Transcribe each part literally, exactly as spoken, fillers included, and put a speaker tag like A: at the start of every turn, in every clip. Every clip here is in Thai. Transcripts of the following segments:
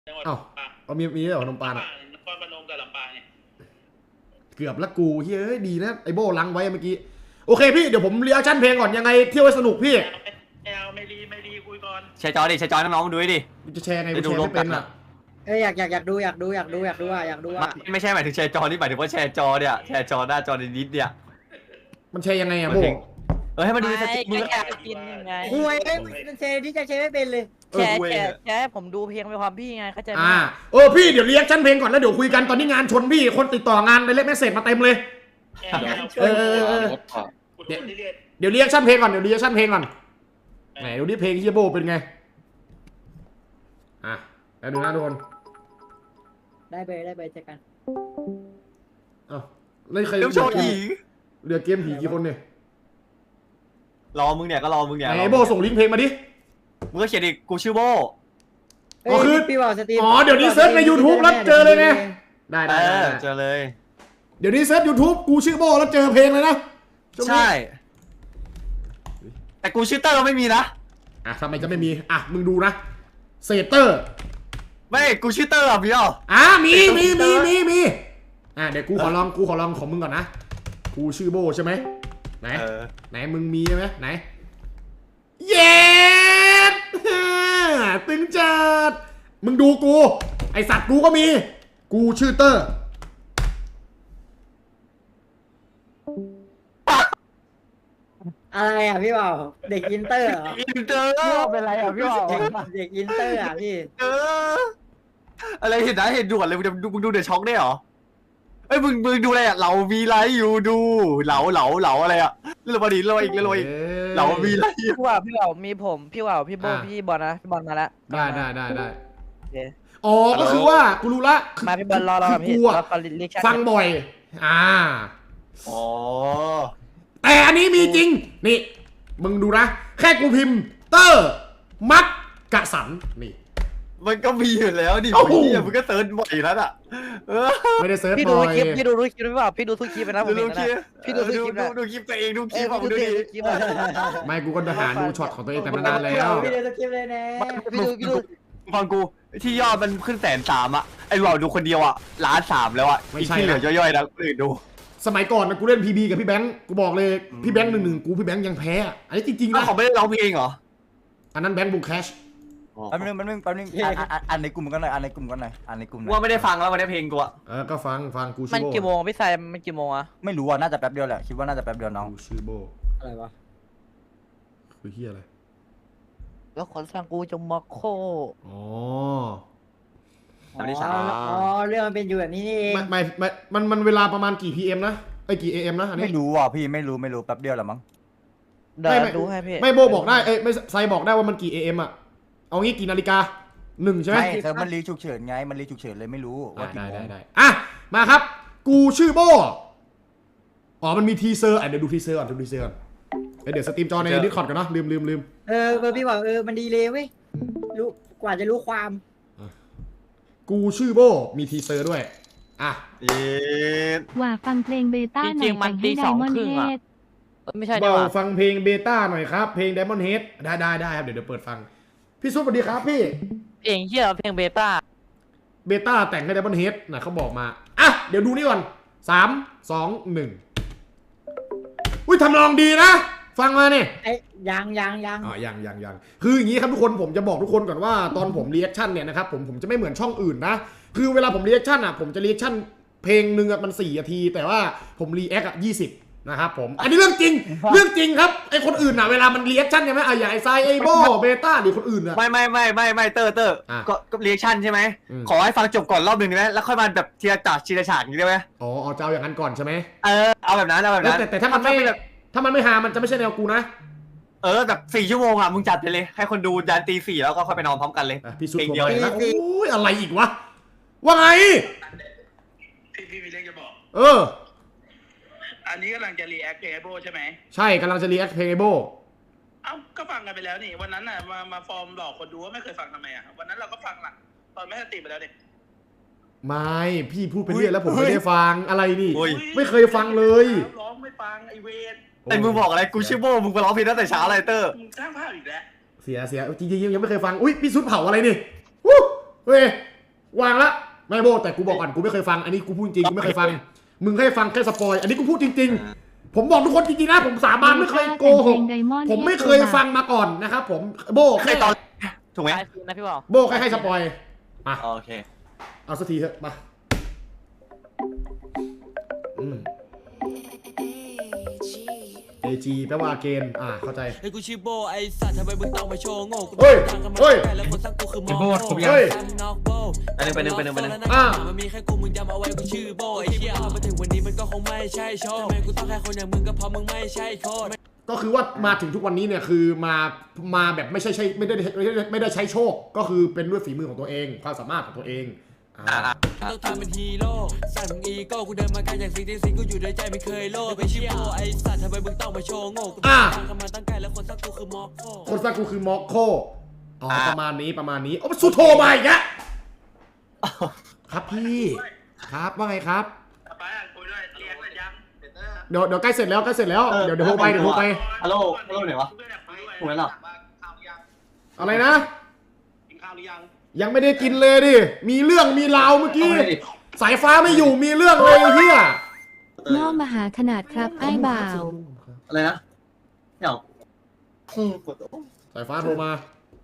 A: จังหวัด
B: เอ้า
A: ลำปาง
B: เอามีมีด้วยเหรอขนมปานอ่ะ
A: นครพนมกับลำปางไง
B: เกือบละกูเฮ้ยดีนะไอโบลังไว้เมื่อกี้โอเคพี่เดี๋ยวผมเรียกชั่นเพลงก่อนยังไงเที่ยวให้สนุกพี่
A: ไม่เอาไม่รีไม่รีคุยก่อน
C: แชร์จอดิแชร์จอน้องๆมาดูดิ
B: จะแชร์ไงกู
C: จะดู
B: แชร์
C: รว
B: ไม่
C: มกั
B: เป็น นอ่ะ
D: เอ้ยอยากอยากอยากดูอยากดูอยากดูอยากดูอ่ะอยากดูอ่ะ
C: ไม่ไม่ใช่หมายถึงแชร์จอนี่หมายถึงว่าแชร์จอเนี่ยแชร์จอหน้าจอนิดๆเนี่ย
B: มันแชร์ยังไงอ่ะโบ
C: เออให้มันดูสติมึง
E: แชร์กินยังไง
D: คุยเอ้ยมันเชที่จะเชไม่เป็นเลย
E: แชร์แชร์แชร์ให้ผมดูเพลงไปความพี่ไงเข้าใจไหม
B: อ่าเออพี่เดี๋ยวเรียกชั่นเพลงก่อนแล้วเดี๋ยวคุยกันตอนนี้งานชนพี่คนติดต่องานในเล็กเมสเซจมาเต็มเลย เออเออเออ
A: คุณดูที่เรียน
B: เดี๋ยวเรียกชั่นเพลงก่อนเดี๋ยวเรียกชั่นเพลงก่อนไหนดูดิเพลงที่โบเป็นไงอ่ะแล้วดูนะทุกคน
D: ได้ไปได้ไปเจอกัน
B: เอ้าเล่นใคร
C: เดี๋ยวโชว์ผี
B: เหลือเกมผีกี่คนเนี่ย
C: รอมึงเนี่ยก็รอมึงเนี่ย
B: ไหนโบส่งลิงก์เพลงมาดิ
C: มึงก็เขียนดิกูชื่อโบ
B: อ๋อคือ
D: พี่บอกสตรีม
B: อ๋อเดี๋ยวนี้เซิร์ชใน YouTube แล้วเจอเลยไง ได้
C: เอ
B: ได้ได้
C: อ
B: ได้
C: เจอเลย
B: เดี๋ยวนี้เซิร์ช YouTube กูชื่อโบแล้วเจอเพลงเลยนะช่วงนี้
C: ใช่ แต่กูชื่อเตอร์ไม่มีนะ
B: อ่ะทำไมจะไม่มีอ่ะมึงดูนะเซเตอร์
C: ไม่กูชื่อเตอร์อ่ะพี่อ๋อ
B: อ่ะมีมีมีมีมีอ่ะเดี๋ยวกูขอลองกูขอลองของมึงก่อนนะกูชื่อโบใช่ไหมไหน
C: เออ
B: ไหนมึงมีใช่ไหมไหนเย็ด ตึงจัดมึงดูกูไอสัตว์กูก็มี กูชื่อเตอร์
D: อะไรอ่ะพี่บอกเด็กอินเตอร์เหรอ
C: อินเตอร์
D: พี่บอกเป็นอะไรอ่ะพี่บอกเด็กอินเตอร์อ่ะพี่
C: เอออะไรเห็นนะเห็นด่วนเลยมึงดูมึงดูเดอะช็อคได้เหรอเอ้ยมึงมึงดูอะไรอ่ะเรามีไลฟ์อยู่ดูเหลาเหลาเหลาอะไรอ่ะเรื่องบอดีเรื่องอีกเรื่องอีกเรามีไลฟ์อยู่
E: พี่ว่าวพี่ว่าวมีผมพี่ว่าวพี่โบพี่บอลนะพี่บอลมาแล้ว
B: ได้ได้ได้ได้
E: โอเค
B: อ๋อก็คือว่ากูรู้ละ
E: มาพี่บอลรอเรา
B: คื
E: กับ
B: อ
E: พี่
B: กูอะ
E: เราฟังลิชั่น
B: ฟังบ่อย อ่า
C: อ๋อ
B: แต่อันนี้มีจริง นี่ มึงดูนะ แค่กูพิมพ์ เตอร์ มัดกะสัน นี่
C: มันก็มีอยู่แล้วดิ
B: โอ้โห
C: พี่มึงก็เซิร์ชบ่อยแล้วอ่ะเออ
B: ไม่ได้เซิร์ช
E: พี่
B: บ่
E: ดู
B: อ
E: ทุก
B: ย
E: คลิปพี่ดูทุกคลิปพี่ว่าวพี่ดูทุกคลิปไปนะผม
C: ดู
E: เห็น
C: คลิ
E: นะ
C: ป
E: พี่ดูทุกคลิป
C: ดู
E: นะ
C: ดูคลิปตัวเองดูค
E: เอ
C: ลิ
E: อ
C: ปของ
E: พี่
C: ดู
E: ดู
C: ดิ
E: ทุกคลิปนะ
B: ไม่กูก็หาดูช็อตของตัวเองแต่มานานแล้ว
D: พี่เดี๋ยวสกิปเลยนะ
E: พี่ดูพี่ดู
C: ฟังกูที่ยอดมันขึ้นแสนสามอ่ะไอ้เราดูคนเดียวอ่ะล้านสามแล้วอ่ะ
B: ไม่
C: อีก
B: ใช่
C: ที่เหลือ
B: นะ
C: ย่อยๆนะคนอื่นดู
B: สมัยก่อนนะกูเล่นพีบีกับพี่แบงค์ กูบอกเลย พี่แบงค์หนึ่งหนึ่งกูพี่แบงค์ยังแพ้อะอันนี้จริงๆ
C: อ้าว
B: นะ
C: เขาไม่ได้ร้องเพลงเหรอ
B: อันนั้นแบงค์บูแคช
F: แป๊บนึงแป๊บนึงแป๊บนึงอ่านอ่านอ่านในกลุ่มกันหน่อยอ่านในกลุ่มกันหน่อยอ่านในกลุ่มหน่อย
C: ว่าไม่ได้ฟังแล้ววันนี้เพลงกูอ่ะ
B: เออ ก็ฟังฟังกู
E: มั
B: ชื่
E: น
B: อโบ
E: กี่โมงพี่ชายมันกี่โมงอะ
F: ไม่รู้อ่ะน่าจะแป๊บเดียวแหละคิดว่าน่าจะแป๊บเดียวน้อง
B: กูชื่อโบ
D: อะไรวะ
B: คือเฮียอะไร
E: แล้วคนสร้างกูจะมาโค
B: อ๋อ
C: สามที่สาม
D: อ๋อเรื่องมันเป็นอยู่แบบนี้นี่เอง
B: ไม่ไม่ไม่มันมันเวลาประมาณกี่ พี เอ็ม นะไอ้ยกี่ เอ เอ็ม นะอันนี้
F: ไม่รู้อ่ะพี่ไม่รู้ไม่รู้แป๊บเดียวแหละมั้ง
E: เดี๋ยวดูให้พี่
B: ไม่โบบอกได้ เอ้ยไม่ไซบอกได้ว่ามันกี่ เอ เอ็ม อ่ะ เอางี้กี่นาฬิกาหนึ่งใช่ไหม
F: ไม่เธอมันรีฉุกเฉินไงมันรีฉุกเฉินเลยไม่รู้
B: อ่ะ
F: ว่ากี่
B: ได้
F: โม
B: ได้
F: ง
B: ได้อ่ะ มาครับ กูชื่อโบ อ๋อ มันมีทีเซอร์อ่ะเดี๋ยวดูทีเซอร์ก่อนดูทีเซอร์ก่อนเอ้ยเดี๋ยวสตรีมจอในดิสคอร์ดกันเนาะลืมลืมลืม
D: เออเออพี่บอกเออมันดีเลยเว้ยรู้กว่าจะรู้ความ
B: กูชื่อโบ มีทีเซอร์ด้วย อ่ะ
C: เย็ด
G: ว่าฟังเพลงเบต้าหน่
E: จริ
G: อย
E: งๆมัน
G: แต่ง
E: ตี
G: ให้
E: สอง
G: Diamond
E: ครึ่งอะ
G: Head
E: เอ้ยไม่ใช่ดี
B: เบาก
E: ว่า
B: ฟังเพลงเบต้าหน่อยครับ เพลง Diamond Head ได้ได้ได้ครับ เดี๋ยวเดี๋ยวเปิดฟัง พี่ซุปสวัสดีครับพี่
E: เพลงเฮียเพลงเบต้า
B: เบต้าแต่งให้ Diamond Head นะเขาบอกมา อ่ะ เดี๋ยวดูนี่ก่อนสามสองหนึ่งอุ้ยทำลองดีนะ ฟังมาเนี่ย
D: ไอ้ยังยังยัง
B: อ๋อยังยังยังคืออย่างนี้ครับทุกคนผมจะบอกทุกคนก่อนว่าตอนผมรีแอคชั่นเนี่ยนะครับผมผมจะไม่เหมือนช่องอื่นนะคือเวลาผมรีแอคชั่นอ่ะผมจะรีแอคชั่นเพลงหนึ่งอ่ะมันสี่นาทีแต่ว่าผมรีแอคอ่ะยี่สิบนะครับผมอันนี้เรื่องจริง เรื่องจริงครับไอคนอื่นอ่ะเวลามันรีแอคชั่นใช่ไหมอ่ะอย่างไอไซไอโบเบต้าหรือคนอื่นอ่ะ
C: ไม่ไม่ไม่ไม่ไม่เตอร์เตอร์
B: อ่ะ
C: ก็ก็เรีแอคชั่นใช่ไหม
B: อืม
C: ขอให้ฟังจบก่อนรอบหนึ่งได้ไหมแล้วค่อยมาแบบทีละฉากทีละฉากอย่างนี้ได้ไหม
B: อ๋อเอาเจ้าอย่างนั้นก่อนใช่ไหม
C: เออเอาแบบนั้นเอาแบบ
B: แล้ว
C: นั้น
B: แต่แต่ถ้ามันไม่
C: เป็นแบบ
B: ถ้ามันไม่ฮามันจะไม่ใช่แนวกูนะ
C: เออแบบสี่ชั่วโมงอ่ะมึงจัดไปเลยให้คนดูยันตีสี่แล้วก็ค่อยไปนอนพร้อมกันเลย
B: อ่ะพี่สุด
C: เพลง
B: ผม
C: เดียว
B: ไป
C: เลย
B: นะโอ้ยอะไรอีกวะว่าไง
A: พี่พี่มีเรื่องจะบอก
B: เออ
A: อันนี้กำลังจะรีแอคเพลงไอโบใช่ไหม
B: ใช่กำลังจะรีแอคเพลงไอโบ
A: เอ้าก็ฟังกันไปแล้วนี่วันนั้นน่ะมามาฟอร์มหลอกคนดูว่าไม่เคยฟังทำไมอ่ะวันนั้นเราก็ฟังหลักตอนไม่สติไปแล้วเนี่ย
B: ไม่พี่พูดไปเรื่อยแล้วผมไม่ได้ฟังอะไรนี่
C: โอ้ย
B: ไม่เคยฟังเลย
A: ร้องไม่ฟังไอเวร
C: ไอ้มึงบอกอะไรกูชื่อโบมึงไปร้องเพลงตั้งแต่เช้าอะไรเตอร์
A: มึงสร้างภาพอีกแล้ว
B: เสียเสียจริงๆยังไม่เคยฟังอุ้ยพี่ซุดเผาอะไรนี่วู้เว้ยวางละไม่โบแต่กูบอกก่อนกูไม่เคยฟังอันนี้กูพูดจริงกูไม่เคยฟังมึงให้ฟังแค่สปอยอันนี้กูพูดจริงๆผมบอกทุกคนจริงๆนะผมสาบานไม่เคยโกหกผมไม่เคยฟังมาก่อนนะครับผมโบ
C: ใคร
B: แค่
C: ตอนถูกไหม
E: ตายคืนนะพี่บอก
B: โบแค่ให้สปอยมา
C: โอเค
B: เอาสักทีเถอะมาอืม เอ จี แปลว่าเกณฑ์อ่าเข้าใจ
G: ไอ้กูชื่อโบไอ้สัตว์ทำไมมึงต้องมาโชว์โง่กู
B: เฮ้ย
G: ทางกันมา
B: เฮ้ย
G: ไกลแล้วคนสร้างกูคือมอ
F: โบดผมอยาก
B: เฮ้ย
G: นอกโบ
C: ไปหนึ่งไปหนึ่งไปหนึ่งไปหนึ่ง
B: อ่า
G: มันมีแค่กูมึงจำเอาไว้กูชื่อโบไอ้เหี้ยมาถึงวันนี้มันก็คงไม่ใช่โชว์ทำไมกูต้องแค่คนอย่างมึงก็เพราะมึงไม่ใช่โคตร
B: ก็คือว่ามาถึงทุกวันนี้เนี่ยคือมามาแบบไม่ใช่ใช่ไม่ได้ไม่ได้ไม่ได้ใช้โชค ก็คือเป็นด้วยฝีมือของตัวเอง ความสามารถของตัวเองอ่า
G: ต้องทำเป็นฮีโร่สั่งมึงอีโก้กูเดินมาไกลจากสิ่งที่สิ่งกูอยู่ในใจไม่เคยโลภไอ้เชี่ยไอ้สัตว์ทำไมมึงต้องมาโชว์โง่กู
B: อ่า
G: ทางกันมาตั้งไกลแล้วคนสร้างกูคือมอคโค
B: คนสร้างกูคือม็อกโคอ๋อประมาณนี้ประมาณนี้โอ้สุโธมาอีกแล้วครับพี่ครับว่าไงครับ
A: ไปอ่ะคุยด้วยเรียกเลยยัง
B: เดี๋ยวเดี๋ยวใกล้เสร็จแล้วใกล้เสร็จแล้วเดี๋ยวเดี๋ยวโทรไปเดี๋ยวโทรไป
C: ฮัลโหลฮัลโหลไหนวะ ถูกแล้วเหรอ
B: อะไรนะ
A: กินข้าวหรือยัง
B: ยังไม่ได้กินเลยดิมีเรื่องมีราวเมื่อกี้สายฟ้าไม่อยู่มีเรื่องเลยไอ้เฮีย
H: ล่อมหาขนาดครับไอ้บ่าว
C: อะไรนะเดี๋ยว
B: สายฟ้าโทรมา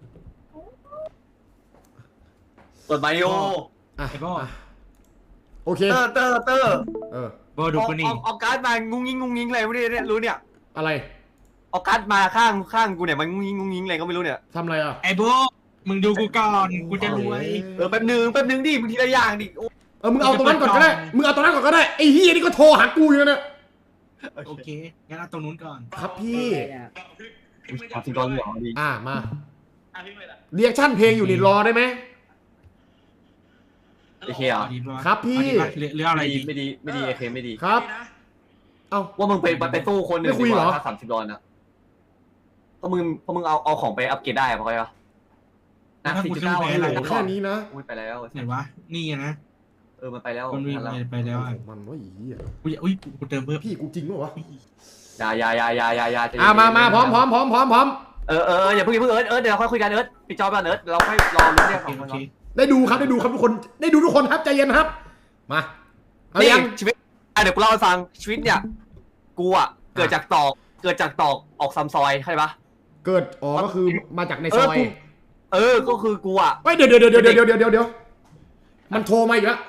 C: เปิดไบโอ
B: อ่ะ
F: ไอ้โบ้
B: อ่ะโอเค
C: เตอร์เตอร์เตอร์
B: เออ
F: โบดูกูนี่
C: เอาเอาการ์ดมางุ้งยิงงุ้งยิงอะไรไม่รู้เนี่ยรู้เนี่ย
B: อะไร
C: เอาการ์ดมาข้างข้างกูเนี่ยมันงุ้งยิงงุ้งยิงอะไรก็ไม่รู้เนี่ย
B: ทำอะไรอ่ะ
F: ไอ้โบมึงดูกูก่อนกูจะรวย
C: เออแป๊บนึงแป๊บนึงดิมึงทีละอย่างดิโอ้
B: เออมึงเอาตรงนั้นก่อนก็ได้มึงเอาตรงนั้นก่อนก็ได้ไอ้เฮียนี่ก็โทรหากูอยู่เนี่ย
F: โอเคงั้นเอาตรงนู้นก่อน
B: ครับพี่
C: ขอสิงตอนเหรอดี
B: อ่ามา
A: อ่ะพี่ไม่ละ
B: เรียกชั่นเพลงอยู่นี่รอได้ไหม
C: โอเคเหรอ
F: เอาดีป่ะ
B: ครับพี่
F: เอาดีป่ะหรือหรือเอาอะไร
C: ไม่ดี
F: ดี
C: ไม่ดีไม่ดีโอเคไม่ดี
B: ครับ เอ้า
C: ว่ามึงไปไปสู้คนหนึ่ง
B: ไม่คุย
C: ดีก
B: เหรอ
C: ว่าถ้าสามสิบดอลนะเพราะมึงเพราะมึงเอาเอาของไปอัปเกรดได้อะพอไหมวะนะสี่จุดเก้า
B: โอ้
C: ให้
B: โห
C: เรา
B: แค่นี้นะ
C: อุ้ยไปแล้ว
F: ไหนวะนี่ไงนะ
C: เออมันไปแล้ว
F: มันวิ่ง
C: แล้ว
F: ไปไปแล้วอ่ะ
B: มันว่าอีเหี้ย
F: อุ้ยอุ้ยกูเติมเพิ่ม
B: พี่กูจริงปะวะ
C: อย่าอย่าอย่าอย่าอย่าอย่าใจเย็น
B: อ่ามามาพร้อมพร้อมพร้อมพร้อมพร้อม
C: เออเอออย่าเพิ่งอย่าเพิ่งเอิร์ธเอิร์ธเดี๋ยวเราค่อยคุยกันเอิร์ธปิดจอไปก่อนเอิร์ธเราค่อยรอรู้เรื่อง
F: โอ
C: ข
F: เค
C: อง
F: โอ
C: มัน
F: เค
B: ได้ดูครับได้ดูครับทุกคนได้ดูทุกคนครับใจเย็นครับ มาเอา
C: นี่
B: ยัง
C: ชีวิตอ่ะเดี๋ยวกูเล่าให้ฟังชีวิตเนี่ยกูอ่ะเกิดจากตอกเกิดจากตอกออกซัมซอยเข้าใจปะ
B: เกิดอ๋อก็คือมาจากในซอย
C: เออกูเออก็คือกูอ่ะ
B: เฮ้ยเดี๋ยวเดี๋ยวเดี๋ยวเดี๋ยวเดี๋ยวเดี๋ยวเดี๋ยวมันโทรมาอีกแล้ว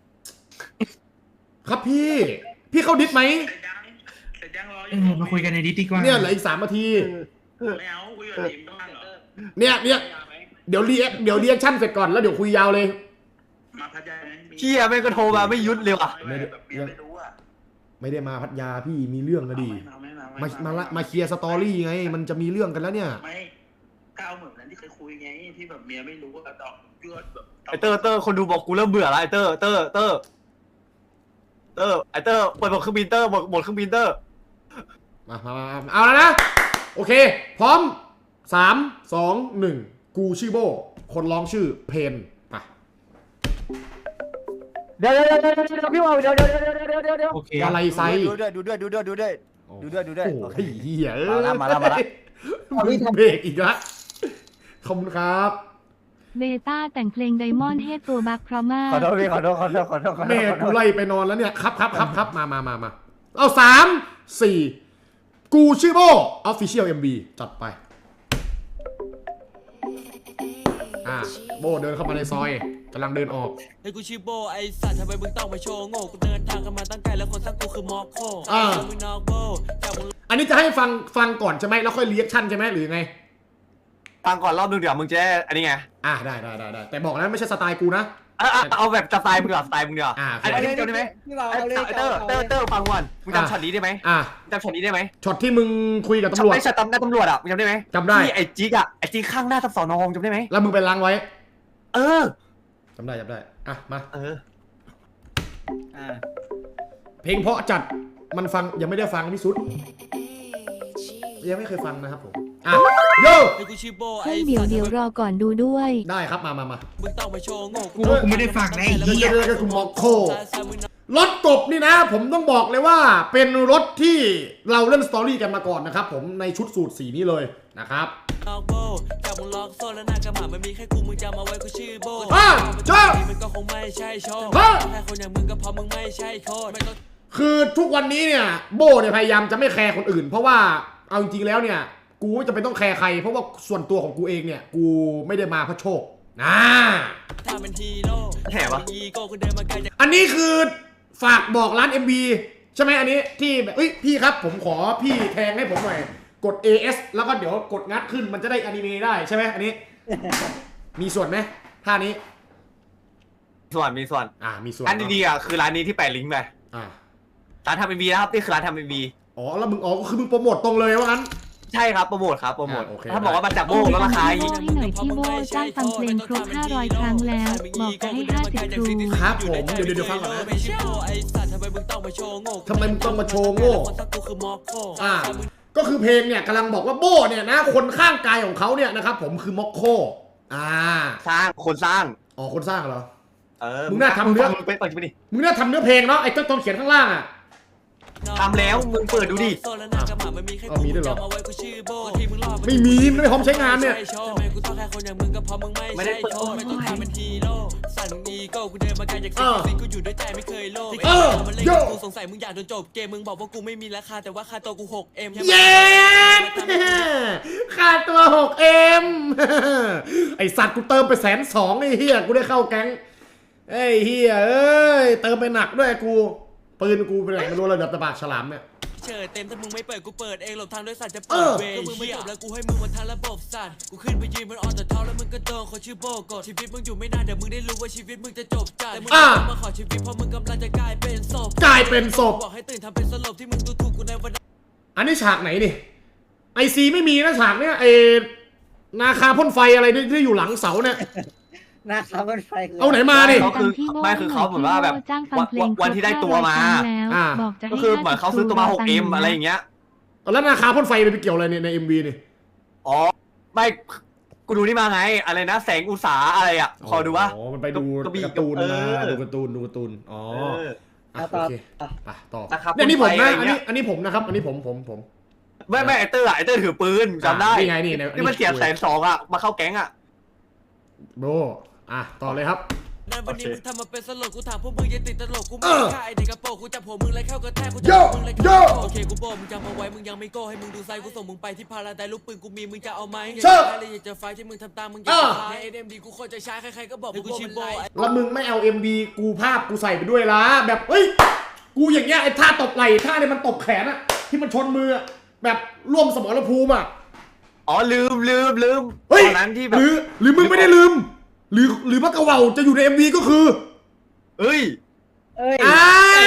B: ครับพี่ พี่เข้าดิสไหม
A: เสร็จยังเสร็จยังรออ
F: เอยู่ อมาคุยกันในดิสดีกว่า
B: เนี่ยเหลืออีกสามนาที
A: ไม่เอาคุยกับทีมบ้างเหรอ
B: เนี่ยเนี่ยเดี๋ยวเรียกเดี๋ยวเรียกชั่นเสร็จก่อนแล้วเดี๋ยวคุยยาวเลย
A: มาพัทยาไหม
C: เชี่ยแม่งก็โทรมาไม่หยุดเลยว่ะ
A: ไม่ได้แบบเมียไม่รู้อ่ะ
B: ไม่ได้มาพัทยาพี่มีเรื่องนะดิ
A: ไม่มาไม่มา
B: มามาละมาเคลียร์สตอรี่ไง มันจะมีเรื่องกันแล้วเนี่ย
A: ไม่ก้าวเหมือนนั้นที่เคยคุยไงที่แบบเมียไม่รู้อะดอกยอดแบบ
C: ไอเตอร์เตอร์คนดูบอกกูเริ่มเบื่อแล้วไอเตอร์เตอร์เตอร์เตอร์ไอเตอร์เปิดบทเครื่องบินเตอร์บทบทเครื่องบินเตอร์
B: มามามามาเอาแล้วนะ โอเค พร้อมสามสองหนึ่งกูชื่อโบ คนร้องชื่อเพนไป
E: เดี๋ยวเดี๋ยวเดี๋ยวเดี๋ยวพี่บอกเดี๋ยวเดี๋ยวเดี๋ยวเดี๋ยวเดี๋ยวเดี๋ยว
F: โอเค
B: อะไรไซ
F: ดูด้วยดูด้วยดูด้วยดูด้วย ดูด้วยดูด้วย
B: โอ้
F: โอเค
B: ยเหี้ยเอ้ย
F: มาละมาละมาละ
B: มึงเบรกอีกละขอบคุณครับ
H: เบต้าแต่งเพลงไดมอนด์ให้ตัวบักเพราะมาก
F: ขอโทษพี่ขอโทษขอโทษขอโทษขอโทษ
B: แม่
F: ขอโท
B: กู
F: ษ
B: ไล่ไปนอนแล้วเนี่ยครับครับครับครับมามามามาเอาสามสี่กูชื่อโบ Official เอ็ม วี จัดไป อ่าโบเดินเข้ามาในซอยกำลังเดินออก
G: ไอ้กูชื่อโบไอ้สัตว์ทำไมมึงต้องมาโชว์โง่กูเดินทางกันมาตั้งไกลแล้วคนสร้างกูคือมอคโค
B: อ่า
G: มึงนอกโบจากมึง
B: อันนี้จะให้ฟังฟังก่อนใช่ไหมแล้วค่อยเรียกชั่นใช่ไหมหรือไง
C: ฟังก่อนรอบนึงเดี๋ยวมึงจะได้อันนี้ไง
B: อ่าได้ได้ได้ได้แต่บอกนะไม่ใช่สไตล์กูนะ
C: เอาเอาเอาแบบสไตล์มึงดีกว่าสไตล์มึงดีกว่า
B: อ่า
C: อันนี้จำได้ไหม
D: พี่บอก
C: ไอ้
D: เอาเลย
C: เตอร์เตอร์เตอร์ฟังก่อนมึงจำช็อตนี้ได้ไหม
B: อ่า
C: จำช็อตนี้ได้ไหม
B: ช็อตที่มึงคุยกับตำรวจ
C: ไอ้ช็อตตำหน้าตำรวจอ่ะมึงจำได้ไหม
B: จำได้
C: ที่ไอ้จิ๊กอ่ะไอ้จิ๊กข้างหน้าทับสอนองจำได้ไหม
B: แล้วมึงไปล้างไว้
C: เออ
B: จำได้จำได้อ่ะมา
C: เออ
F: อ่า
B: เพลงเพราะจัดมันฟังยังไม่ได้ฟังพี่สุดยังไม่เคยฟังนะครับผมอ่ะโย
G: ไอ้กูชื่อโบไอ้
H: เฮ้ยเดี๋ยวเดี๋ยวรอก่อนดูด้วย
B: ได้ครับมามามา
G: มึงต้องมาโชว์โง่
F: กูว่ากูไม่ได้ฟังนะไอ้
B: เดี๋ยว
F: เหี้ย
B: เดี๋ยวเดี๋ยวกูมอกโครถกบนี่นะ ผมต้องบอกเลยว่าเป็นรถที่เราเล่นสตอรี่กันมาก่อนนะครับผมในชุดสูตรสีนี้เลยนะครับ
G: นอกโบจากมึงมึงล็อกโซ่แล้วหน้ากระหม่ำมันมีแค่กูมึงจำเอาไว้กูชื่อโบ
B: อ่ะเจ้า
G: มันก็คงไม่ใช่โชว์
B: ฮะ
G: แค่คนอย่างมึงก็เพราะมึงไม่ใช่โคตรไม่ต้อง
B: คือทุกวันนี้เนี่ยโบเนี่ยพยายามจะไม่แคร์คนอื่น เพราะว่าเอาจริงๆแล้วเนี่ย กูไม่จะเป็นต้องแคร์ใคร เพราะว่าส่วนตัวของกูเองเนี่ย กูไม่ได้มาเพราะโชคนะ
G: ถ้าเป็นฮีโร่
C: แห่วะ
G: อีโก้กูเดินมาไกลจาก
B: อันนี้คือฝากบอกร้าน เอ็ม บี ใช่ไหมอันนี้ที่แบบเอ้ยพี่ครับผมขอพี่แทงให้ผมหน่อยกด เอ เอส แล้วก็เดี๋ยวกดงัดขึ้นมันจะได้อนิเมะได้ใช่ไหมอันนี้ มีส่วนไหมท่านี้
C: ส่วนมีส่วน
B: อ่ามีส่วน
C: อันดีๆอ่ะคือร้านนี้ที่แปะลิงก์ไป
B: อ่า
C: ร้านทำเอ็มบีนะครับนี่คือร้านทำเอ็มบี
B: อ๋อแล้วมึงอ๋อก็คือมึงโปรโมตตรงเลยว่างั้น
C: ใช่ครับโปรโมทครับโปรโมท
B: อ่าโอเค
C: ถ้าบอกว่ามาจากโบกแล้วราคาอีก
H: ให้หน่อยพี่โบจ้างฟังเพลงครบห้าร้อยครั้งแล้ว บอกจะให้ห้าสิบครู
B: ครับผมเดี๋ยวเดี๋ยวเดี๋ยวฟังก่อนนะ
G: ไม่ใช่โง่ไอ้สัตว์ทำไมมึงต้องมาโชว์โง่
B: ทำไมมึงต้องมาโชว์โง่
G: คนสักกูคือมอคโค
B: อ่า ก็คือเพลงเนี่ยกำลังบอกว่าโบเนี่ยนะ คนข้างกายของเขาเนี่ยนะครับผมคือม็อกโค อ่า
C: สร้างคนสร้าง
B: อ๋อคนสร้างเหรอ
C: เออ
B: มึงน่าทำเรื่อง
C: มึงไปเปิดดูดิ
B: มึงน่าทำเนื้อเพลงเนาะไอ้ต้นต้นเขียนข้างล่างอ่ะ
C: ทำแล้วมึงเปิดดูดิ
B: เอามีด้วยเหรอ
G: จำเอาไว้กูชื่อโบที่มึงรอ
B: ไม่มีไม่พร้อมใช้งานเนี่ย
G: ทำไมกูต้องแค่คนอย่างมึงก็เพราะมึงไม่
C: ไม่ได้
G: ใช่
C: เปิด
G: โชว์ไม่ต้องทำเป็นฮีโร่สั่นมึงอีโก้กูเดินมาไกลจาก
B: เออ
G: สิ่งที่กูอยู่ด้วยใจไม่เคยโลภ
B: เออ
G: มันเล่น
B: โย่
G: กับกูสงสัยมึงอยากโดนจบเกมมึงบอกว่ากูไม่มีราคาแต่ว่าค่าตัวกูหกเอ็ม
B: เย้ค่าตัวหกเอ็ม ไอสัตว์กูเติมไปแสนสองไอ้เฮียกูได้เข้าแก๊งไอ้เฮียเอ้ยเติมไปหนักด้วยกูปืนกูไปไหนไม่รู้เลยเดือบตะบากฉลามเนี่ย
G: เชิดเต็มถ้ามึงไม่เปิดกูเปิดเองหลบทางด้วยสัตว์จะ
B: เอ
G: เปิด
B: อ
G: เวย์ก็มึงไม่จบแล้วกูให้มึงมาทางระบบสัตว์กูขึ้นไปยืนบนออนแต่เท้าแล้วมึงก็โดนคนชื่อโบกดชีวิตมึงอยู่ไม่นานเดี๋ยวมึงได้รู้ว่าชีวิตมึงจะจบจัดแต่มึง
B: อ่ะ
G: มาขอชีวิตเพราะมึงกำลังจะกลายเป็นศพ
B: กลายเป็นศพ
G: บอกให้ตื่นทำเป็นสลบที่มึงดูถูกกูในวันนั้น
B: อันนี้ฉากไหนดิไอซีไม่มีนะฉากเนี้ยไอนาคาพ่นไฟอะไรที่ที่อยู่หลังเสาเนี่ย
D: หน้าเขาเป็นไฟคื
B: เอาไหนมาดิ
C: เขาคือ
H: ที่โบ้
C: ไม่คือเขาเหมือนว่าแบบ
H: จ้างฟังเพลง
C: วันที่ได้ตัวมา
H: ครบห้ร้อยครั้งแล้ว
B: อ่า
H: บอกจะให้
C: ก็คือเหมือนเขาซื้อตัวมา หกเอ็ม อะไรอย่างเงี้ย
B: แล้วนาคาพ่นไฟไปเกี่ยวอะไรเนี่ยในเอ็มวีนี่
C: อ๋อ ไม่กูดูนี่มาไง อะไรนะ แสงอุตสาอะไรอ่ะ ขอดูว่า
B: อ๋อมันไปดู
C: กระบี่
B: การ์ตูน
C: เอ
B: มา
C: อ
B: ดูการ์ตูนดูการ์ตูนอ๋อ
C: เออ
B: อ่ะ
D: เอา
B: โอ
D: ต่อ
B: เค
D: ต่อ
B: ไปต่อ
C: นะครับ
B: เนี่ยนี่ผม
C: พ่นไฟ
B: นะ
C: อะไร
B: อัน
C: เงี้
B: นี้
C: ย
B: อันนี้ผมนะครับ อันนี้ผมผมผม
C: ไม่ไม่ไอเตอร์อะไอเตอร์ถือปืนจำได้
B: นี่ไงนี่ใน
C: นี่มันเสียแสนสองอ่ะ มาเข้าแก๊งอ่ะ
B: โบอ่ะต่อเลยครับ
G: นั้นวันนี้
C: โอเค
G: มึงทำมาเป็นสลบกูถามพวกมึงยังติดตลกกู
B: เอ
G: ไม่
B: อ
G: ฆ่าไอเด็กกระโปรงกูจับหัวมึงเลยเข้ากระแทกกู
B: โย่
G: จับมึงเลย
B: โย่
G: โอเคกูโบมึงจำเอาไว้มึงยังไม่โก้ให้มึงดูไซส์กูส่งมึงไปที่พาราไดลูกปืนกูมีมึงจะเอาไหม
B: เชิญ
G: อะไรอยากจะไฟที่มึงทำตามมึงอยาก
B: เออ
G: จะในเอ็มดีกูโคตรจะช้าใครๆก็บอกกูชิโบ
B: แล้วมึงไม่เอา เอ็ม บี กูภาพกูใส่ไปด้วยละแบบเฮ้ยกูอย่างเงี้ยไอ้ท่าตบไหล่ท่าเนี่ยมันตบแขนอะที่มันชนมืออะแบบร่วมสมรภูมิอะ
C: อ๋อลืมลืมลืม
B: เฮ้ย
C: ตอนนั้นที่แบ
B: ห
C: บ
B: รือหรือมึงไม่ได้ลืม หรือหรือมักกะเหว่าจะอยู่ใน เอ็ม วี ก็คือ
C: เอ้ย
D: เอ้ย
B: อ้าว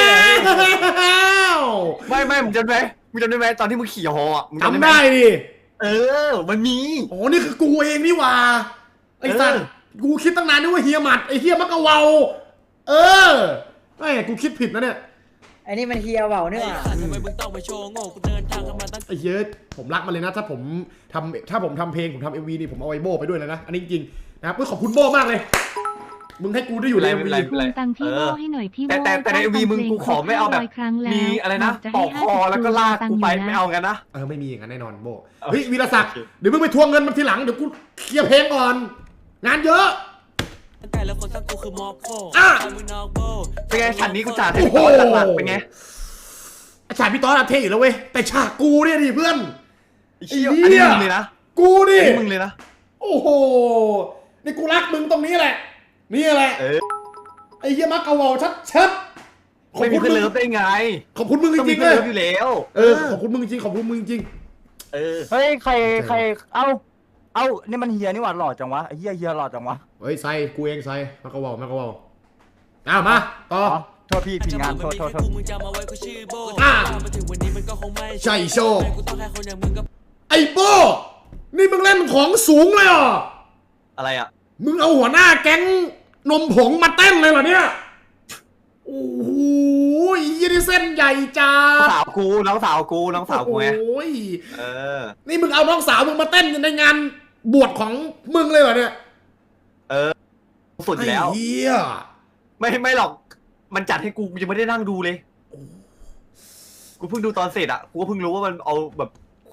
C: ไม่ไม่มึงจำได้ไหมมึงจำได้ไหมตอนที่มึงขี่ฮออ่ะมึง
B: จำ
C: หม
B: ได้ดิ
C: เออ มันมี
B: อ๋อนี่คือกูเองนี่หว่าไอ้สัตว์
C: เออ
B: กูคิดตั้งนานนึกว่าเฮียหมัดไอ้เฮียมักกะเหว่าเออไม่กูคิดผิดนะเนี่ย
D: ไอ้นี่มันเฮียเบาเนี่ย
G: ไอ้สัตว์ทำไมมึงต้องมาโชว์โง่กูเดินทางกันมาตั้ง
B: ไอ้เฮียผมรักมันเลยนะ ถ้าผมทำถ้าผมทำเพลงผมทำเอ็มวีนี่ผมเอาไอ้โบไปด้วยเลยนะอันนี้จริงๆนะครับเพื่อขอบคุณโบมากเลย มึงให้กูได้อยู่ใน
C: ไม่
B: เอ็ม
C: เป็น
B: วี
C: ไร
H: ทวงตังค์พี่โบให้หน่อยพี่โบ
C: แต่แต่แต่ใน
H: จ้าง
C: MV
H: ฟัง
C: มึง
H: เพล
C: กูขอไม่เอาแบบ
H: ครห้ร้ยครั้งแล้ว
C: มีอะไรนะ
H: บจ
C: ปอก
H: ให้
C: คอแล้วก็ลากกูไป
H: ตังค์ยู่นะ
C: ไม่เอากันนะ
B: เออไม่มีอย่างนั้นแน่นอนโบ
C: โอเค
B: เฮ้ยวีรศักดิ์เดี๋ยวมึงไปทวงเงินมันทีหลังเดี๋ยวกูเคลียร์เพลงก่อน งานเยอะ
G: ไก่แล้วคนสักกูคือมอคโค
B: อ่ะ
G: แต่มึงนอกโบ
C: เป็นไงฉากนี้กูจ่า
B: โอ้
C: ให้
B: โห
C: ต่อหลักๆเป็นไง
B: ฉากพี่ต้อนอะเท่อยู่แล้วเว้ยแต่ฉากกูเนี่ยดิเพื่อน
C: ไอ้เหี้ย
B: ไอ้
C: อัน
B: เหี้
C: นี้
B: ย
C: มึงเลยนะ
B: กูดิ
C: อันนี้มึงเลยนะ
B: โอ้โหนี่กูรักมึงตรงนี้แหละนี่แหละ
C: เออ
B: ไอ้เหี้ยมักกะเหว่าชัดชัดๆขอบ
C: ไม่มี
B: คุณ
C: เพื่อน
B: มึง
C: เลิฟได้ไง
B: ขอบคุณมึงจ
C: ต้องมี
B: ริงๆ
C: เพื่
B: เล
C: อน
B: ย
C: เลิฟอยู่แล้ว
B: เออขอบคุณมึงจริงขอบคุณมึงจริง
C: เออ
F: เฮ้ยใครใครเอ้าเอ้านี่มันเฮียนี่หว่าหล่อจังวะไอ้เฮียเฮียหล่อจังวะ
B: เฮ้ยไซกูเองไซมักกะเหว่ามักกะเหว่าอ้าวมาต่อ
F: อ๋อโทษพี่ผิดงานโทษโทษโทษ
G: มึงจำเอาไว้กูชื่อโบ
B: อ่ะ
G: มาถึงวันนี้มันก็คงไม่
B: ใช่โชค
G: กูต้องแค่คนอย่างมึงก็
B: ไอ้โป้นี่มึงเล่นของสูงเลยเหรอ
C: อะไรอ่ะ
B: มึงเอาหัวหน้าแก๊งนมผงมาเต้นเลยเหรอเนี่ย โอ้โหยี่นี่เส้นใหญ่จ้า
C: น้องสาวกูน้องสาวกูน้องสาวกูไง
B: โอ้ย
C: เออ
B: นี่มึงเอาน้องสาวมึงมาเต้นในงานบวชของมึงเลยเหรอเนี่ย
C: สุดอยู่แล้ว
B: ไอ้เหี้ย
C: ไม่ไม่หรอก มันจัดให้กูกูยังไม่ได้นั่งดูเลย กูเพิ่งดูตอนเสร็จอ่ะ กูก็เพิ่งรู้ว่ามันเอาแบบค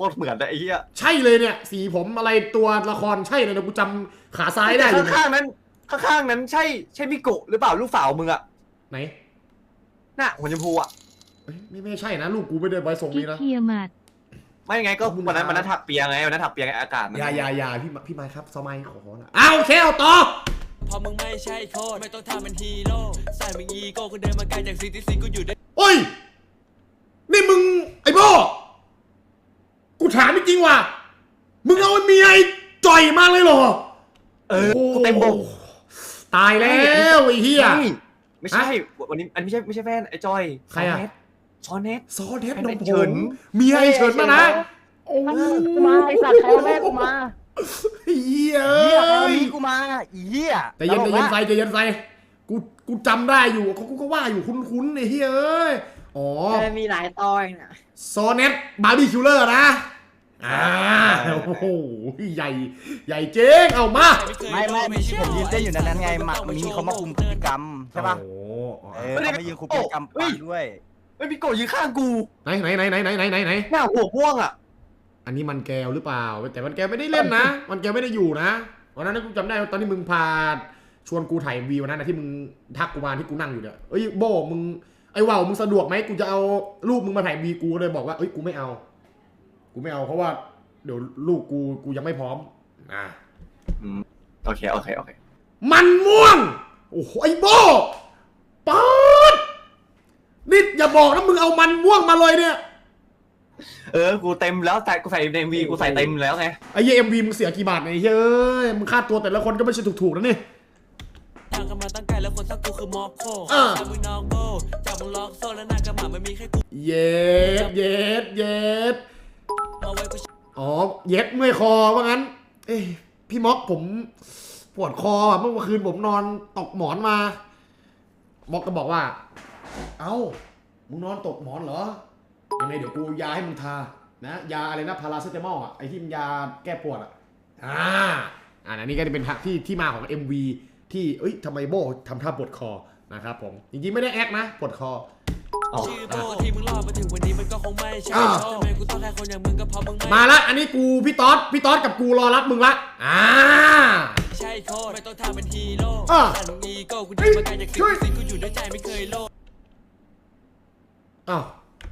C: ตรเหมือนเลยไอ้เหี้ย
B: ใช่เลยเนี่ย สีผมอะไรตัวละครใช่เลยนะกูจำขาซ้ายได้เลย
C: ข้างๆนั้นข้างๆนั้นใช่ใช่มิโกะหรือเปล่าลูกสาวมึงอะ
B: ไหน
C: น่ะหัวชมพูอะ
B: เอ้ยไม่ไม่ใช่นะลูกกูไม่ได้ไว้ทรง
H: กิ๊
B: นี้
H: ก
B: นะ
H: เทียมัด
C: ไม่ไงก็วันนั้นวันนั้นถักเปียไงวันนั้นถักเปียไงอากาศมัน
B: อย่าอย่าอย่าพี่พี่ไม้ครับสมัยขอขอนะอ้าวโอเคเอาต่อ
G: พอมึงไม่ใช่โคตรไม่ต้องทำเป็นฮีโร่ใส่มึงอีโก้กูเดินมาไกลจากสิ่งที่สิ่งกูอยู่ได้
B: โอ้ยนี่มึงไอ้โบกูถามจริงๆว่ะมึงเอาเมียไอ้จ่อยมาเลยเหรอ
C: เออ
B: โอ้
C: กูเต็มบก
B: ตายแล้วไอ้เหี้ย
C: ไม่ไม่ใช่วันนี้อันไม่ใช่ไม่ใช่แฟนไอ้จอย
B: ใครอะ
C: ซอนเนต
B: ซอเด็ด
C: ไอ้
B: นมผ
C: เฉิ
B: ม
C: น
B: เมียไอ้เฉินมานะโอ้
E: กูมาไอ้สัตว์ใครเอาแม่กูมา
B: เหี้ย
F: เหี้ยใคร
B: เอ้
F: เอา
B: ย
F: มีกูมาอีเหี้ย
B: แต่เย็น
F: ต
B: แต่
F: ลก
B: เย็น
F: ละ
B: ใส่ใจเย็นใส่กูกูจำได้อยู่เขากูก็ว่าอยู่คุ้นๆไอ้เฮ้ยเอ้ยอ๋อ
D: เออมีหลายตอนน่ะ
B: ซอเน็ตบาร์บี้คิลเลอร์นะอ่าโอ้โหใหญ่ใหญ่เจ๊งเอามา
F: ไม่ไม่ไม่ผมยืนเต้นอยู่ในนั้นไงมามีเขามาคุมพฤติกรรมใช่ปะ
B: โอ้โห
F: เออเขามายืนคุมพฤติกรรมปาด้วย
C: ไอ้มิโกะยืนข้างกู
B: ไหนไหนไหนไหนไหนไหนไหนไหน
C: หน้าหัวพ่วงอะ
B: อันนี้มันแก้วหรือเปล่าแต่มันแก้วไม่ได้เล่นนะมันแก้วไม่ได้อยู่นะวันนั้นกูจำได้ตอนที่มึงพาชวนกูถ่ายวีวันนั้นนะที่มึงทักกูมาที่กูนั่งอยู่เนี่ยเอ้ยโบมึงไอ้ว่าวมึงสะดวกไหมกูจะเอารูปมึงมาถ่ายวีกูเลยบอกว่าเอ้ยกูไม่เอา กูไม่เอาเพราะว่าเดี๋ยวลูกกูกูยังไม่พร้อมอ่า
C: อืมโอเคโอเคโอเค
B: มันม่วงโอ้โหไอ้โบป๊าดนี่อย่าบอกนะมึงเอามันม่วงมาเลยเนี่ย
C: เออกูเต็มแล้วแต่กูใส่ในวีกูใส่เต็มแล้วไง
B: ไอ้เหี้ยเอ็มวีมึงเสียกี่บาทเนี่ยไอ้เหี้ยเอ้ยมึงค่าตัวแต่ละคนก็ไม่ใช่ถูกๆนะนี่
G: ทางกันมาตั้งไกลแล้วคนสักกูคือมอคโค
B: เออ
G: จากมึงนอกโบจากมึงล็อกโซ่แล้วหน้ากระหม่ำมันมีแค่กู
B: เย็ดเย็ดเย็ด
G: เอาไว้กู
B: อ๋อเย็ดเมื่อยคอว่างั้น เอ้ยพี่ม็อกผมปวดคออ่ะเมื่อคืนผมนอนตกหมอนมาม็อกก็บอกว่า เอ้ามึงนอนตกหมอนเหรอยังไงเดี๋ยวกูยาให้มึงทานะยาอะไรนะพาราเซตามอลอ่ะไอที่มันยาแก้ปวดอ่ะอ่าอันนี้ก็จะเป็นที่ที่มาของ เอ็ม วี ที่เอ้ยทำไมโบทำท่าปวดคอนะครับผมจริงๆไม่ได้แอคนะปวดคอ
C: อ๋อ
G: ชื่อโบที่มึงรอดมาถึงวันนี้มันก็คงไม่ใช่
B: อ่า
G: ทำไมกูต้องแค่คนอย่างมึงก็เพราะมึงไม่
B: มาละอันนี้กูพี่ต๊อดพี่ต๊อดกับกูรอรับมึงละอ่า
G: ใช่โคตรไม่ต้องทำเป็นฮีโร่
B: อ่ะ
G: แต่มึงอีโก้กูเดินมาไกลจากสิ่งที่สิ่งกูอยู่ด้วยใจไม่เคยโลภ
B: อ้าว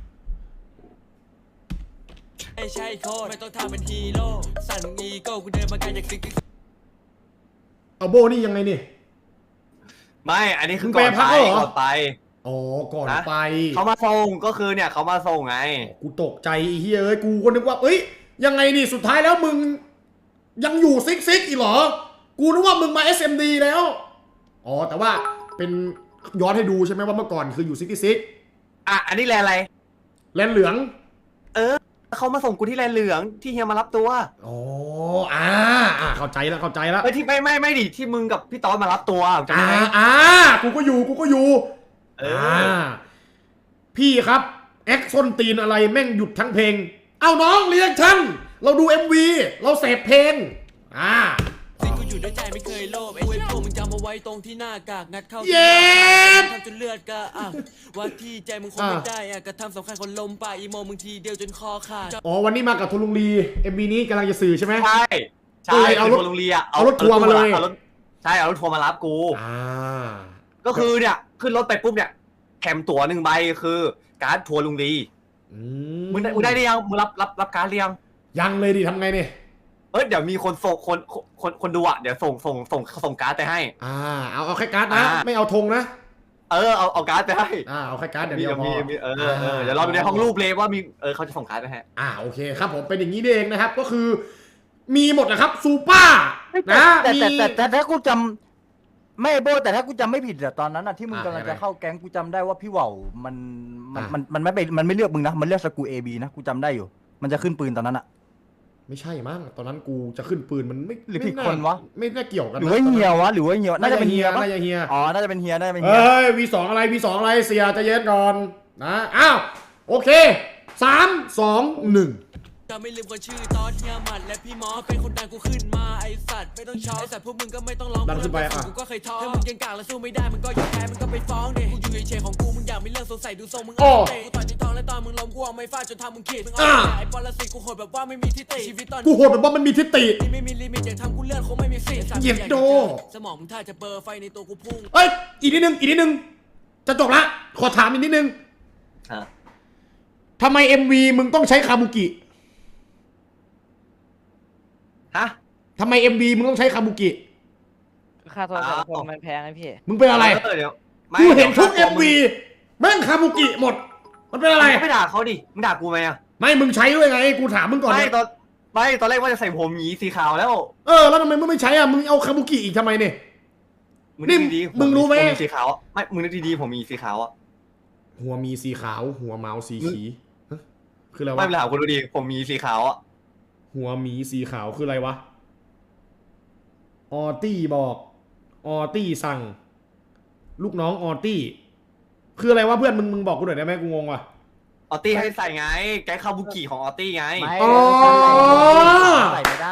G: ไม่ใช่โคตรไม่ต้องทำเป็นฮีโร่สั่นมึงอีโก้กูเดินมาไกลจากสิ่งที่
B: เอาโบนี่ยังไงนี่
C: ไม่อันนี้คือ
B: มึง
C: ก่อน
B: แปลพั
C: ไป
B: กแล้วเหรอ
C: ก่อนไป
B: อ๋อก่อน
C: นะ
B: ไป
C: เขามาส่งก็คือเนี่ยเขามาส่งไง
B: กูตกใจไอ้เฮ้ยเอ้ยกูก็นึกว่าเอ้ยยังไงนี่สุดท้ายแล้วมึงยังอยู่ซิกซิกอีกเหรอ กูนึกว่ามึงมา เอส เอ็ม ดี แล้ว อ๋อแต่ว่าเป็นย้อนให้ดูใช่ไหมว่าเมื่อก่อนคืออยู่ซิกซิก
C: อ่ะอันนี้แลนอะไร
B: แลนเหลือง
C: เออเขามาส่งกูที่แลนเหลืองที่เฮียมารับตัว
B: อ๋ออ่าอ่าเข้าใจแล้วเข้าใจแล้ว
C: เอ้ยที่ไม่ไม่ไม่ดิที่มึงกับพี่ต๊อดมารับตัวจำ
B: อ่า
C: ได้ไหม
B: อ่ากูก็อยู่กูก็อยู่
C: เอออ่
B: าพี่ครับแอคส้นตีนอะไรแม่งหยุดทั้งเพลง เอาน้องเรียกฉันเราดู เอ็ม วี เราเสพเพลงอ่า
G: สิ่งกูอยู่ด้วยใจไม่เคยโลภไอ้พวกมึงจำเอาไว้ตรงที่หน้ากากงัดเข้า
B: เย็ด
G: ทำจนเลือดกระอ่ะว่าที่ใจมึงคงไม่ได้อ่ะกระทำสำคัญคนลมป่าอีโมมึงทีเดียวจนคอขาด
B: อ๋อวันนี้มากับทุลุงลี เอ็ม วี นี้กำลังจะสื่อใช่ไหม
C: ใช่ใช่
B: เออเอารถ
C: คือโรงเรียน
B: เอารถทัวร์มาเลย
C: อรถใช่เอารถทัวร์มารับกู
B: อ่า
C: ก็คือเนี่ยขึ้นรถไปปุ๊บเนี่ยแถมตั๋วหนึ่งใบคือการ์ดทัวร์ลุงลี
B: อื
C: มึงได้มึงได้หรือยังมึงรับรับรับการ์ดหรือยัง
B: ยังเลยดิทำไงเนี่ย
C: เอ้ยเดี๋ยวมีคนส่งคนคนคนดูอ่ะเดี๋ยวส่งส่งส่งส่งการ์ดไปให้
B: อ่าเอาเอาแค่การ์ดนะ
C: อ่า
B: ไม่เอาธงนะ
C: เออเอาเอาการ์ดไปให้
B: อ่าเอาแค่การ์ดเดี๋ยว
C: มี
B: เดียวพ
C: มี
B: อ
C: มีเออเออเดี๋ยวเราดูในห้องรูปเลยว่ามีเออเขาจะส่งการ์ดไปให้
B: อ่าโอเคครับผมเป็นอย่างนี้นี่เองนะครับก็คือ มีหมดนะครับซูเปอร์
F: แต่
B: นะ
F: แต่
B: มี
F: แต่แต่แต่ถ้ากูจำไม่โบแต่ถ้ากูจำไม่ผิดอะตอนนั้นอะที่มึง
B: อ่ะ
F: กำลัง
B: ยังไง
F: จะเข้าแก๊งกูจำได้ว่าพี่เหว่าวมันมัน
B: อ่ะ
F: มันมันไม่ไปมันไม่เลือกมึงนะมันเลือกสกูเอบีนะกูจำได้อยู่ มันจะขึ้นปืนตอนนั้นอะ
B: ไม่ใช่มั้งตอนนั้นกูจะขึ้นปืนมันไม่
F: หรือผิด
B: ไม่า
F: คนวะ
B: ไม่น่าเกี่ยวกัน
F: หรือว่าเฮียวะหรือว่าเฮียวน่าจะเป็นเฮียปะ
B: น่าจะเฮีย
F: อ๋อน่าจะเป็นเฮียน่าจะเป็นเฮีย
B: เฮ้ยวีสองอะไรวีสองอะไรเสียใจะเย็นก่อนนะอ้าวโอเคสามสองหนึ่ง
G: จะไม่ลืมคนชื่อตอนเฮียหมัดและพี่หมอเป็นคนดังกูขึ้นมาไอสัตว์ไม่ต้องช็อตไอสัตว์พวกมึงก็ไม่ต้องร้อง
B: ดันขึ้นไปอ่ะ
G: กูก็เคยท้อถ้ามึงยังกากและสู้ไม่ได้มึงก็ยอมแพ้มึงก็ไปฟ้องเด็กูอยู่เฉยๆของกูมึงอยากมีเรื่องสงสัยดูทรงมึง
B: โอ้
G: เอาเตะกูต่อยที่ท้องและตอนมึงล้มกูเอาไม่ฟาดจนทำมึงขีดมึงเอา
B: อ่า
G: ไอ้ปรสิตกูโหดแบบว่าไม่มีที่ติชีวิตตอน
B: กูโหดแบบว่ามันมีทิฏฐิ
G: นี้ไม่มีลิมิตอย่างทำกูเลื่อนคงไม่มีสิทธิ์
B: เหยียดโด
G: สมองมึงถ้าจะเบลอร์ไฟในตัวกูพุ่ง
B: เอ้ยอีกนิดนึงอีกนิดนึงจะจบละขอถามอีกนิดนึง
C: ฮะ
B: ทำไม เอ็ม วี มึงต้องใช้คาบุกิ
C: ฮะ
B: ทำไม เอ็ม วี มึงต้องใช้คาบุกิ
E: ค่าโทรศัพท์
C: อ้าว
E: คนมันแพงไงพี่
B: มึงเป็นอะไร
C: เออเดี๋ยวไม่
B: กูเห็นทุก
C: ดี๋
B: เอ็
C: ยว
B: ม วี แม่งคาบุกิหมด มันเป็นอะไร
C: มึงไม่ด่าเขาดิมึงด่ากูไหมอ่ะ
B: ไม่มึงใช้ด้วยไง กูถามมึงก่อน
C: ไม่
B: เนี่ย
C: ตอนไม่ตอนแรกว่าจะใส่ผมหมีสีขาวแล้ว
B: เออแล้วทำไมมึงไม่ใช้อ่ะมึงเอาคาบุกิอีกทำไมเนี่ย
C: มึง
B: นี่
C: นึกดีๆ
B: มึงรู้ไหม
C: ผมีสีขาวอะไม่มึงนึกดีๆผมมีสีขาวอ่ะ
B: หัวมีสีขาว หัวเมาส์สีขีฮะคืออะไร
C: ไม่
B: วะ
C: เป็นไรคุณดูดีผมมีสีขาวอ่ะ
B: หัวหมีสีขาวคืออะไรวะ ออตี้บอก ออตี้สั่ง ลูกน้องออตี้ คืออะไรวะเพื่อนมึงมึงบอกกูหน่อยได้ไหมกูงงว่ะ
C: ออตตี้ให้ใส่ไงแก๊งคาบุกิของออตตี้ไง
F: ไม่
B: อ๋อ
F: ใส่ไม่ได้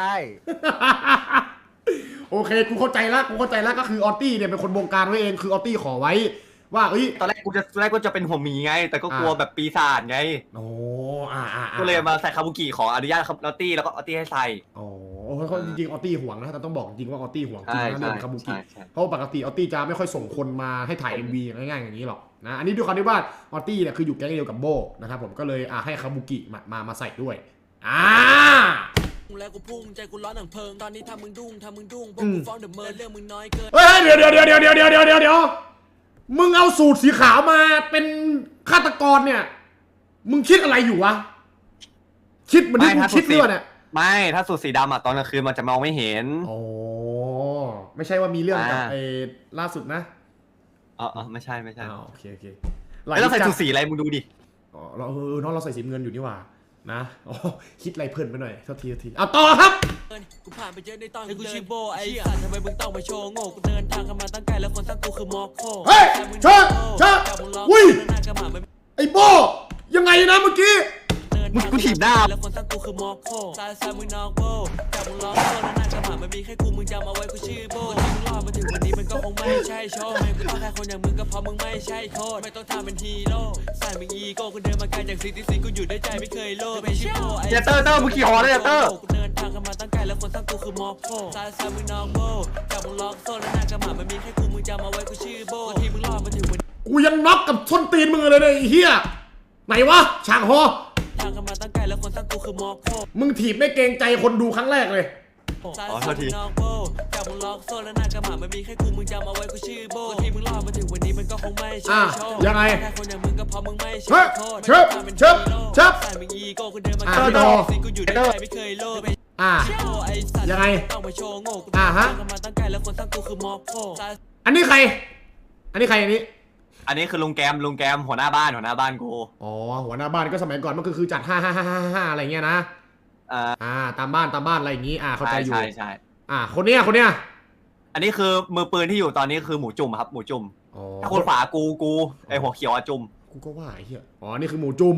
B: โอเคกูเข้าใจละกูเข้าใจละก็คือออตี้เนี่ยเป็นคนบงการไว้เองคือออตี้ขอไว้ ว่าเอ้ย
C: ตอนแรกกูจะตอนแรกก็จะเป็นผมหมีไง แต่ก็กลัว
B: อ่า
C: แบบปีศาจไง
B: โอ้อ่าอ่าอ่า
C: ก็เลยมาใส่คาบุกิขออนุญาตครับออตตี้แล้วก็ออตตี้ให้ใส่
B: อ๋อเขาจริงๆออตี้ห่วงนะแต่ต้องบอกจริงว่าออตี้ห่วงจริง
C: ใช่
B: นะเรื่องคาบุกิ
C: ใช่ใช่
B: เพราะปกติออตตี้จะไม่ค่อยส่งคนมาให้ถ่าย เอ็ม วี ง่ายๆอย่างนี้หรอกนะอันนี้ด้วยความที่ว่าออตตี้เนี่ยคืออยู่แก๊งเดียวกับโบนะครับผมก็เลยอ่าให้คาบุกิมามามาใส่ด้วยอ่า
G: แล้วกูพุ่งใจกูร้อนหนังเพลิงตอนนี้ทำมึงดุ้งทำมึงดุ้งพวก
B: อื
G: กู
B: ม
G: ฟ้องเดอะเมิร์เรื่องมึงน้อยเกิน
B: เฮ้ยเดี๋ยวเดี๋ยวเดี๋ยวเดี๋ยวเดี๋ยวเดี๋ยวเดี๋ยวเดี๋ยวเดี๋ยวมึงเอาสูตรสีขาวมาเป็นฆาตกรเนี่ย มึงคิดอะไรอยู่วะคิดเหมือนที่กูคิดเรื่องเนี่ย
C: ไม่ถ้าสูตรสีดำอ่ะตอนกลางคืนมันจะมองไม่เห็น
B: โอ้ไม่ใช่ว่ามีเรื่องกับ
C: อ่า
B: ไอ้ล่าสุดนะ
C: อ๋ออ๋อไม่ใช่ไม่ใช่
B: อ๋อโอเคโอเค
C: แล้วใส่สูตรสีอะไรมึงดูดิ
B: อ๋อเราเออน้องเราใส่สีเงินอยู่นี่หว่านะอ๋อคิดอะไรเพลินไปหน่อยเท่าทีเท่าทีเอาต่อครับ
G: กูผ่านไปเยอะในตอนกูชื่อโบไอ้สัตว์ทำไมมึงต้องมาโชว์โง่กูเดินทางกันมาตั้งไกลแล้วคนสร้างกูคือมอคโค
B: เฮ้ยเชิญเชิญอุ้ย ไอ้โบยังไงนะเมื่อกี้
C: มึงกูถีบหน้า
G: แล้วคนสร้างกูคือมอคโคซาซามึงนอกโบจับมึงล้อโซ่แล้วหน้ากระหม่ำมันมีแค่กูมึงจำเอาไว้กูชื่อโบที่มึงรอดมาถึงวันนี้มันก็คงไม่ใช่โชว์ไม่กูต้องแค่คนอย่างมึงก็เพราะมึงไม่ใช่โคตรไม่ต้องทำเป็นฮีโร่ใส่มึงอีโก้กูเดินมาไกลจากซิตี้ซิกูอยู่ด้วยใจไม่เคยโลภไม่ใช่โบไอ้
C: เจเตอร์เตอร์มึงขี่หอเลยเจเตอร์
G: กูเดินทางกันมาตั้งไกลแล้วคนสร้างกูคือมอคโคซาซามึงนอกโบจับมึงล็อกโซ่แล้วหน้ากระหม่ำมันมีแค่กูมึงจำเอาไว้กูชื่อโบที่มึงรอดมาถึงวัน
B: กูยังน็อกกับส้นตีนมึงเลยเนี่ยไอ้เหี้ยไหนวะฉากฮอ
G: ทางกันมาตั้งไกลแล้วคนสร้างกูคือมอคโค
B: มึงถีบไม่เกรงใจคนดูครั้งแรกเลย
C: อ๋อโทษที
G: จับมึงล็อกโซ่แล้วหน้ากระหม่ำมันมีแค่กูมึงจำเอาไว้กูชื่อโบที่มึงรอดมาถึงวันนี้มันก็คงไม่ใช่
B: อ่ะ
G: โชค
B: ยังไง
G: แค่คนอย่างมึงก็เพราะมึงไม่
B: เฮ้
G: ใช่
B: ย
G: โคตร
B: เชิบเชิบเชิบ
G: ใส่มึงอีโก้กูเดินมา
B: อ่ะ
G: ไกล
B: พี่โด
G: สิกูอยู่ด้วยใจไม่เคยโลภ
B: อ่า ยังไง
G: ต้องมาโชว์โง่กู
B: อ่ะฮะ
G: ทางกันมาตั้งไกลแล้วคนสร้างกูคือมอคโค
B: อันนี้ใคร อันนี้ใครอันนี้
C: อันนี้คือลุงแกมลุงแกมหัวหน้าบ้านหัวหน้าบ้านกู
B: อ๋อหัวหน้าบ้านก็สมัยก่อนมันก็คือจัดห้าห้าห้าห้าอะไรเงี้ยนะ
C: อ่า
B: อ่าตามบ้านตามบ้านอะไรอย่างงี้อ่าเข้าใจ
C: ใช่
B: อยู่
C: ใช่ใช่
B: อ่าคนเนี้ยคนเนี้ย
C: อันนี้คือมือปืนที่อยู่ตอนนี้คือหมูจุ่มครับหมูจุ่ม
B: อ๋อ
C: ถ้าคนฝากูกูไอหัวเขียวอะจุ่ม
B: กูก็ว่าไอ้เหี้ยอ๋อนี่คือหมูจุ่ม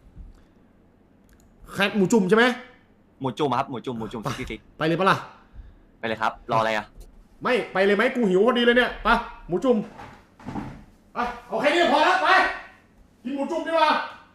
B: แค่หมูจุ่มใช่ไหม
C: หมูจุ่มครับหมูจุ่มหมูจุ่มซิกซิก
B: ไปเลยปะล่ะ
C: ไปเลยครับรออะไรอ่ะ
B: ไม่ไปเลยไหมกูหิวพอดีเลยเนี่ยไปหมูจุ่มไปเอาแค่นี้พอแล้วไปกินหมูจุ่มดีกว่า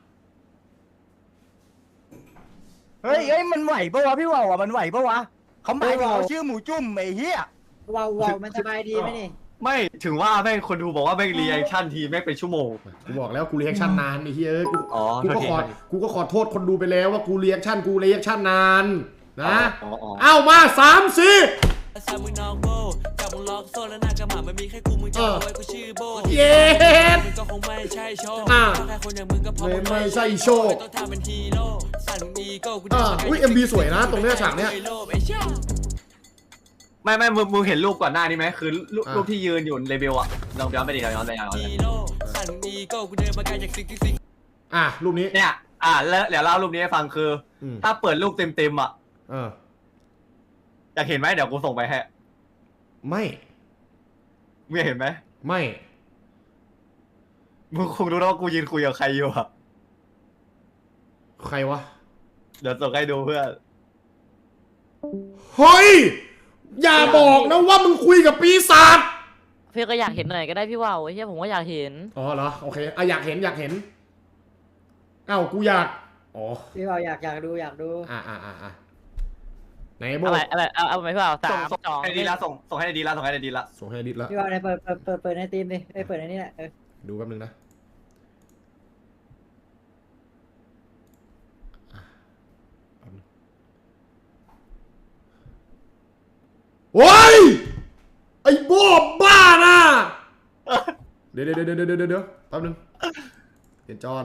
F: เฮ้ยเฮ้ยมันไหวปะวะพี่ว่าวอ่ะมันไหวปะวะเขาหมายถึง
D: เออ
F: เขาชื่อหมูจุ่มไอ้เหี้ย
D: ว้าวว้าวมันสบายดีไหมนี่
C: ไม่ถึงว่าแม่งคนดูบอกว่าแม่งรีแอคชั่นทีแม่งเป็นชั่วโมง
B: กูบอกแล้วกูเรีแอคชั่นนานไอ้เหี้ยเอ้ยกู
C: อ๋อ
B: กูก็
C: โทษที
B: ขอกูก็ขอโทษคนดูไปแล้วว่ากูเรีแอคชั่นกูเรีแอคชั่นนานนะ
C: อ๋ออ๋อ
B: เอามาสามสี่
G: ซามึงนอกโบจับมึงล็อกโซ่แล้วหน้ากระหม่ำมันมีแค่กูมึงจำเอาไว้กูชื่อโบ
B: เย้
G: มึงก็คงไม่ใช่โชค
B: อ่ะ
G: แค่คนอย่างมึงก็เพราะมึง
B: ไม่ใช่โชค
G: ไม่ต้องทำเป็นฮีโร่สั่นมึงอีโก้กู
B: อ่า
G: เดินมาไกล
B: อุ้ย เอ็ม วี สวยนะตรงเนี้ยฉากเนี้ย
G: ไม่โลภไอ้เชี่ย
C: ไม่ไม่มึงมึงเห็นรูปก่อนหน้านี้ไหมคือรูป
B: อ่ะ
C: รูปที่ยืนอยู่เลเวลอะลองย้อนไปดิย้อนไปย้อนไป
G: ฮีโร่สั่นมึงอีโก้กูเดินมาไกลจากสิ่งที่สิ่ง
B: อ่ะรูปนี้
C: เนี่ยอ่ะแล้วเดี๋ยวเล่ารูปนี้ให้ฟังคืออ
B: ม
C: ถ้าเปิดรูปเต็มเต็มๆอ่ะ
B: เออ
C: อยากเห็นไหมเดี๋ยวกูส่งไปให้
B: ไม่
C: มึงอยากเห็นไหม
B: ไม่
C: มึงคงรู้แล้วว่ากูยืนคุยกับใครอยู่อะ
B: ใครวะ
C: เดี๋ยวส่งให้ดูเพื่อน
B: เฮ้ย อย่าบอกนะว่ามึงคุยกับปีศาจ
E: พี่ก็อยากเห็นหน่อยก็ได้พี่ว่าวไอ้เหี้ยผมก็อยากเห็น
B: อ๋อเหรอโอเคอ่ะอยากเห็นอยากเห็นเอ้ากูอยากอ๋อ
D: พี่เราอยากอยากดูอยากดู
B: อ่าอ่าอ่าอ่าไหนโบ
E: อะไรอะไรเอาเอาไหมพี่ว่าวสา
C: ส่ง
E: ม
C: ส่ง
E: สอง
C: ให้ดีละส่งส่งให้ดีละส่งให้ดีละ
B: ส่งให้ดิดแล้ว
D: พี่เราในเปิดเปิดเปิดเปิดในทีมดิเอ้ยเปิดในนี่แหละเออ
B: ดูแป๊บนึงนะโอ้ยไอ้โบบ้านะเดี๋ยวเดี๋ยวเดี๋ยวเดี๋ยวเดี๋ยวเดี๋ยวแป๊บนึงเดี๋ยวจอน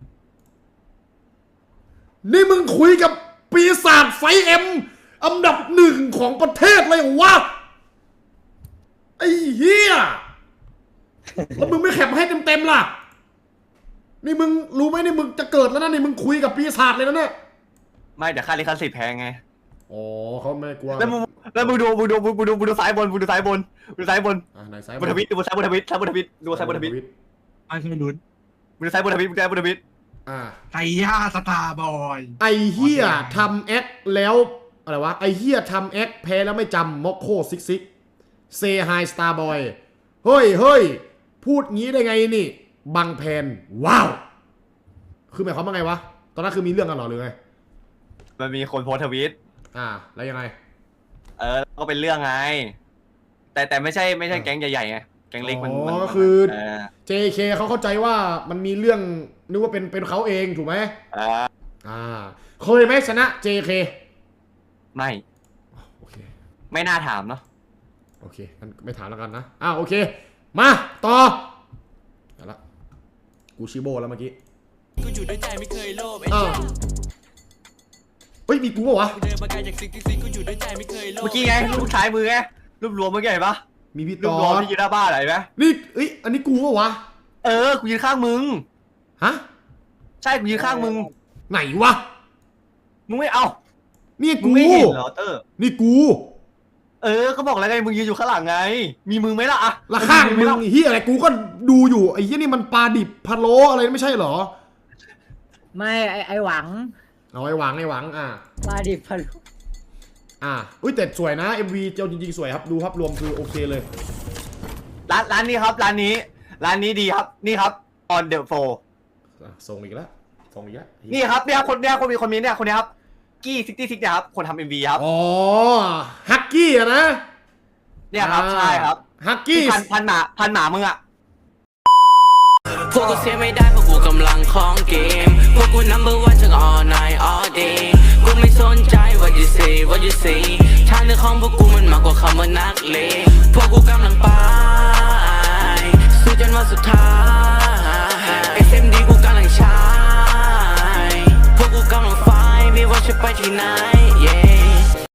B: นี่มึงคุยกับปีศาจไฟเอ็มอันดับหนึ่งของประเทศเลยเหรอวะไอ้เหี้ยแล้วมึงไม่แคปให้เต็มๆล่ะนี่มึงรู้ไหมนี่มึงจะเกิดแล้วนะนี่มึงคุยกับปีศาจเลยนะเนี่ย
C: ไม่เดี๋ยวค่าลิขสิทธิ์แพงไง
B: อ๋อเขาไม่กลัว
C: แล้วมึงแล้วมึงดูมึงดูมึงดูมึงดูซ้ายบนมึงดูซ้ายบนมึงดูซ้ายบน
B: อ่ะไหนซ้าย
C: บนทวิตดูซ้ายบนทวิตซ้ายบนทวิตดูซ้ายบนทวิต
I: ไม่เคยลุ้น
C: มึงดูซ้ายบนทวิตมึงดูซ้ายบนทวิต
B: อ่า
I: ไก่ย่าสตาร์บอย
B: ไอเฮียทำแอคแล้วอะไรวะไอเฮียทำแอคแพ้แล้วไม่จำม็อกโคซิกซิกเซไฮสตาร์บอยเฮ้ยเฮ้ยพูดงี้ได้ไงนี่บังแพนว้าวคือหมายความว่าไงวะตอนนั้นคือมีเรื่องกันเหรอหรือไง
C: มันมีคนโพสต์ทวิต
B: อ่าแล้วยังไง
C: เออก็เป็นเรื่องไง แต่แต่ไม่ใช่ไม่ใช่แก๊งใหญ่ๆไงแก๊งเล็กมัน
B: อ๋
C: มัน
B: อคือ
C: เออ
B: เจ เค เขาเข้าใจว่ามันมีเรื่องนึกว่าเป็นเป็นเขาเองถูกไหม
C: เออ
B: อ่าเคยไหมชนะ เจ เค
C: ไม่
B: โอเค
C: ไม่น่าถามเนาะ
B: โอเคงั้นไม่ถามแล้วกันนะอ่าโอเคมาต่อเอาละกูชิโบแล้วเมื่อกี้
G: กูอยู่ด้วยใจไม่เคยโลภไอ้
B: อ่า
G: เหี้ย
B: เฮ้ยมีกูเปล่าวะ
G: กูเดินมาไกลจากสิ่งที่สิ่งกูอยู่ด้วยใจไม่เคยโลภ
C: เมื่อกี้ไงรูปซ้ายมือไงรูปรวมเมื่อกี้เห็นปะ
B: มีพี่
C: รู
B: ต
C: ป
B: อ
C: รวม
B: น
C: ที่ยืนหน้าบ้านอะไรไหม
B: นี่เอ้ยอันนี้กูเปล่าวะ
C: เออกูยืนข้างมึง
B: ฮะ
C: ใช่กูยืนข้างมึง
B: ไหนวะ
C: มึงไม่เอา
B: นี่
C: มึ
B: กู
C: งไม่เห็นเหรอเตอร์
B: นี่กู
C: เออก็บอกแล้วไงมึงยืนอยู่ข้างหลังไง มีมึงไหมล่ะอะ
B: ละข้างมึ
C: ไห
B: ง
C: ล่ะ
B: ไอ้เฮียอะไรกูก็ดูอยู่ไอ้เฮียนี่มันปลาดิบพะโล้อะไรไม่ใช่เหรอ
D: ไม่ไอไอหวัง
B: เอาไอ้หวังไอ้หวังอ่า
D: มาดิพัน
B: อ่าอุ้ยแต่สวยนะ เอ็ม วี เจ้าจริงๆสวยครับดูภาพรวมคือโอเคเลย
C: ร้านร้านนี้ครับร้านนี้ ร้านนี้ดีครับนี่ครับ on the floor
B: อ่ะส่งอีกแล้วส่งอีกแล้ว
C: นี่ครับเนี่ยคนเนี่ยคนมีคนมีเนี่ยคนเนี้ยครับกี้ซิกตี้ซิกเนี่ยครับคนทำเอ็มวีครับ
B: อ๋อฮักกี้อะนะ
C: เนี่ยครับใช่ครับ
B: ฮักกี้
C: พันพันหมาพันหมามึงอะ
G: พวกกูเสียไม่ได้เพราะกูกำลังของเกมพวกกู number one ทั้ง all night all day กูไม่สนใจ what you say what you say ทางเดินของพวกกูมันมากกว่าคำว่านักเลงพวกกูกำลังไปสู้จนวันสุดท้าย เอส เอ็ม ดี กูกำลังใช้พวกกูกำลังไฟไม่ว่าจะไปที่ไหน yeah